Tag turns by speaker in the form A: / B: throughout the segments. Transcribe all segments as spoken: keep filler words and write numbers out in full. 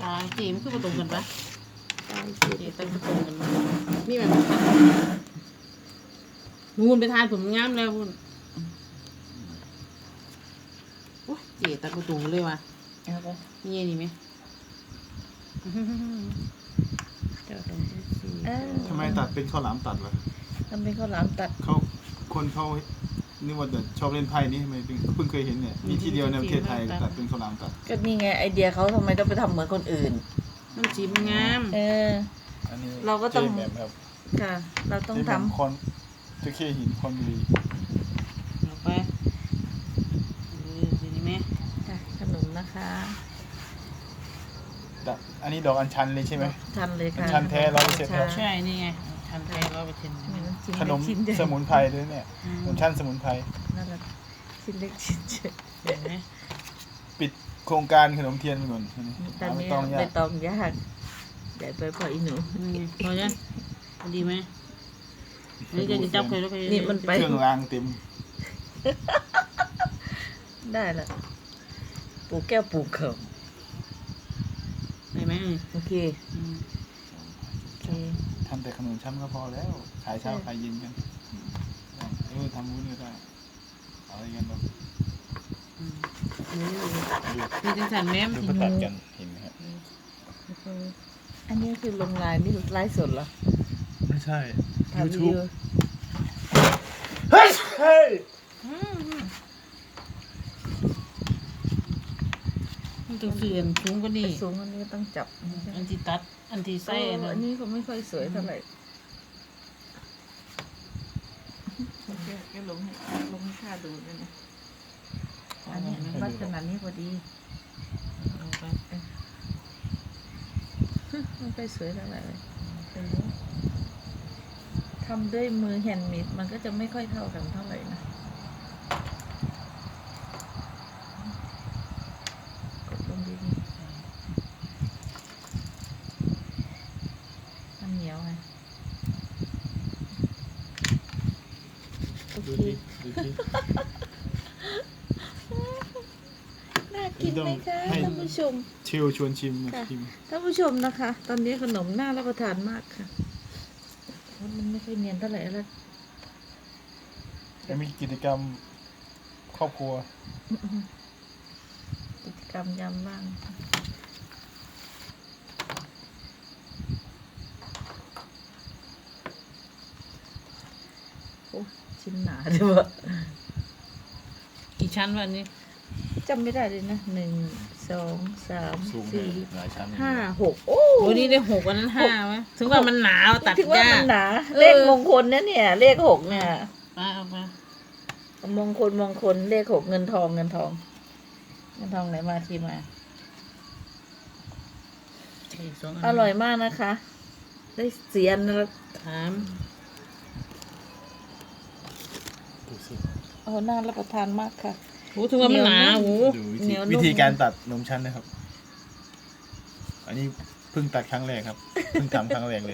A: ตาจีมันคือประตูกันปะ
B: ตาย
A: จี
B: เจ็บ
A: ตั้งประตูกันมามีแบบนูนไปทานผมงามแล้วพุ่นโอ้ยจีตั้งประตูเลยว่ะ
B: เอาไป
A: มีอันนี้ไหม
B: เจ้าตรงที่สี่
C: ทำไมตัดเป็นข้าวหลามตัดวะ
B: ทำเป็นข้าวหลามตัด
C: เขาคนเขานี่ว่าจะชอบเล่นไพ่นี่ทำไมเพิ่งเคยเห็นเนี่ยมีที่เดียวในประเทศไทยตัดเป็นข้าวหลามตัด
B: ก็นี่ไงไอเดียเขาทำไมต้องไปทำเหมือนคนอื่น
A: น้ำจีมันงาม
B: เออ
C: อันนี้
B: เราก็ต้อง
C: เจแบบครับ
B: ค่ะ เราต้อง
C: เจ
B: ท
C: แบบคอนเจะเข้หินคอนบุรี
A: เอาไปเออทีนี้ไหม
B: ำค่ะขนมนะคะ
C: ดอกอันนี้ดอกอัญชันเลยใช่ไหม
B: ทันเลยค่ะ
C: ทันแท้ร้อยเปอร์เซ็นต์ครับ
A: ใช่นี่ไงทันไทยร้อยเปอร์เซ็นต์
B: มีน้ำจิ้ม
C: ขนม
B: เล็กชิ้นใหญ่
C: สมุนไพรด้วยเนี่ยขนมชั้นสมุนไพร
B: นั่นแหละชิ้นเล็กชิ้นใหญ่
A: เห็นไหม
C: ปิดโครงการขนมเทียนไปก่อน
B: ตอน
C: หาไม่
B: นี้
C: ต้องยา
B: ใบ
C: ก
B: ตองยากใหญ่ไปพออีหนู
A: นี่ไงพอจ้ะพอดีไหมอันนี้จะจับใครแล้วใคร
B: นี่มันไป
C: เครื่องรางเต็ม
B: ได้ละปลูกแก้วปลูกเข่า
A: ได้ไหมเออ
B: โอเค
A: อืม
B: โอเค
C: ทำแต่ขนมชั้นก็พอแล้วขายเช้าขายเย็นกันเออทำวุ้นก็ได้เอาอะไรกันบ้าง
A: อืมมีจังสันแม่ม
C: ดูเขาตัดกันเห็นไหมครับ
B: อันนี้คือลงลายนี่ไลฟ์สดเหรอ
C: ไม่ใช่
B: ถ่ายวิดี
C: YouTube
B: โอ
C: เฮ้ยเฮ้ย
A: อืมมันต้องเสื่อนสูงกว่านี้
B: สูงอันนี้ต้องจับ
A: อันที่ตัด อันที่
B: ใส่
A: ใส่นะ
B: อันนี้เขาไม่ค่อยสวยเท่าไหร่แกลงให้ลงให้ข้าดูด้วยนะอันนี้วัดขนาดนี้พอดี
A: เอาไป
B: ไม่ค่อยสวยเท่าไหร่เลยเป็นเรื่องทำด้วยมือแฮนด์เมดมันก็จะไม่ค่อยเท่ากันเท่าไหร่นะกดลงดีๆมันเหนียวไงโอ
C: ดู
B: เค
C: ดิดูดิ
B: น่ากินไหมคะท่านผู้ชม
C: เชลชวนชิมมา
B: ค่ะ
C: ชิม
B: ท่านผู้ชมนะคะ ตอนนี้ขนมน่ารับประทานมากค่ะมันไม่ค่อยเนียนเท่าไหร่แล้ว
C: จะมีกิจกรรมครอบครัว
B: กิจกรรมยามว่างโอ้ชิ้นหนาด้วยวะ
A: กี่ชั้นวะอันนี้
B: จำไม่ได้เลยนะหนึ่งสองสาม
C: สูง
B: สี่
C: หลายชั้น
B: ห้าหกโอ้
A: โอ้นี่ได้หกอันนั้นห้าไหมถึงว่ามันหนาวตัด
B: ถือว่าย
A: า
B: มั
A: ก
B: นหนา
A: เออ
B: เลขมงคลนะเนี่ย เลขหกเนี่ย
A: ไปเอาไป
B: มงคลมงคลเลขหกเงินทองเงินทอง เงินทองไหนมาที่มา
A: อีกสองน
B: อร่อยมากนะคะ ได้เสียนแล้ว
A: ถาม
C: ดูสิ
B: โอ้น่ารับประทานมากค่ะ
A: โอ้ถึงว่ามันหนาโอ้
C: ดูวิ
B: เหนี
C: ธี
B: ยวนุ่ม
C: วิธีการตัดนมชั้นนะครับ อันนี้เพิ่งตัดครั้งแรกครับ เพิ่งทำครั้งแรกเลย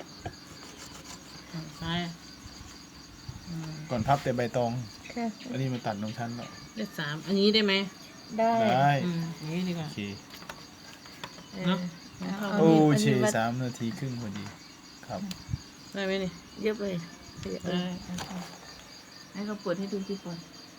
A: ใช่อืม
C: ก่อนพับแต่ใบตอง
B: ค่ะ
C: อันนี้มาตัดนมชั้นแล้ว
A: ได้สามอันนี้ได้ไหม
B: ได้
C: ได้
A: อืมอย่างนี้ดีก
C: โอ
A: ว่า
C: เค
B: เออ
A: เนอะ
B: เอา
C: โอ้
B: อัน
C: เช
B: นี้วัด
C: สามนาทีครึ่งพอดี ครับ
A: ได้ไหมนี่
B: เยอะเลยเออ
A: ได้
B: ให้เขาเปิดให้ดูที่ก่อน